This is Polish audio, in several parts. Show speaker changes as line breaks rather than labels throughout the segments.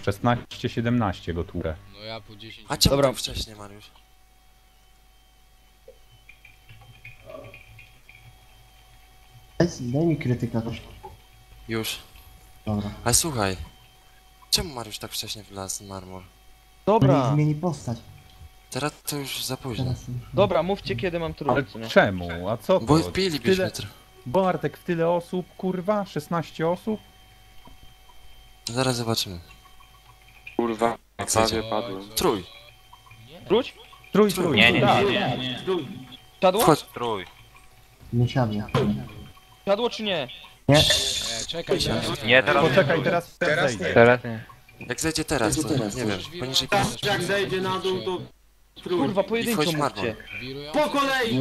16-17 go tłukę.
No ja po 10.
A czemu
Dobra.
tak wcześnie, Mariusz?
Daj mi krytyka też.
Już.
Dobra.
Ale słuchaj. Czemu Mariusz tak wcześnie wlazł na armor?
Dobra,
Zmieni postać.
Teraz to już za późno.
Teraz już.
dobra, mówcie kiedy mam
Ale
trójcy, nie?
czemu? A co to?
Bo wbilibyśmy
Tyle... Bartek, w tyle osób, kurwa? 16 osób?
Zaraz zobaczymy.
Kurwa, prawie padłem.
Trój.
Wróć?
Trój.
Nie, nie,
tak.
nie.
Siadło?
Wchodź.
Trój.
Nie siadnie.
Siadło czy nie?
Nie.
Czekaj się.
Nie, teraz
Poczekaj, teraz zejdzie.
Teraz nie.
Jak zejdzie teraz, to nie wiem. Poniżej
Jak zejdzie na dół, to trój.
Kurwa,
I
pojedynczo
wchodź marmor.
mówcie.
Wirują?
Po kolei!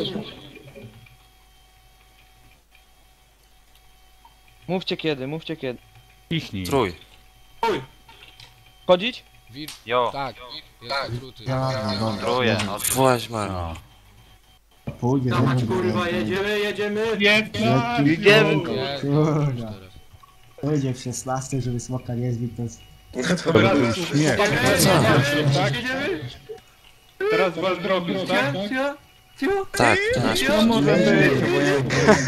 Mówcie kiedy, mówcie kiedy.
Ciśnij.
Trój.
Chodzić?
Jo,
Tak, jest skróty.
Ja, dobra.
tróję.
Właź marmor.
No.
Pójdzie,
Dawać,
będzie.
kurwa, jedziemy.
Jedziemy.
Jest,
Kurwa.
teraz.
Pójdzie w 16, żeby smoka nie zbić, to jest...
To był śmiech.
Teraz was drogi, tak?
Tak, to nasz.
To może być, bo ja...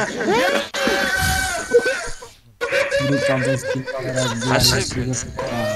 Wrócam bez kilka razy.
A szybko.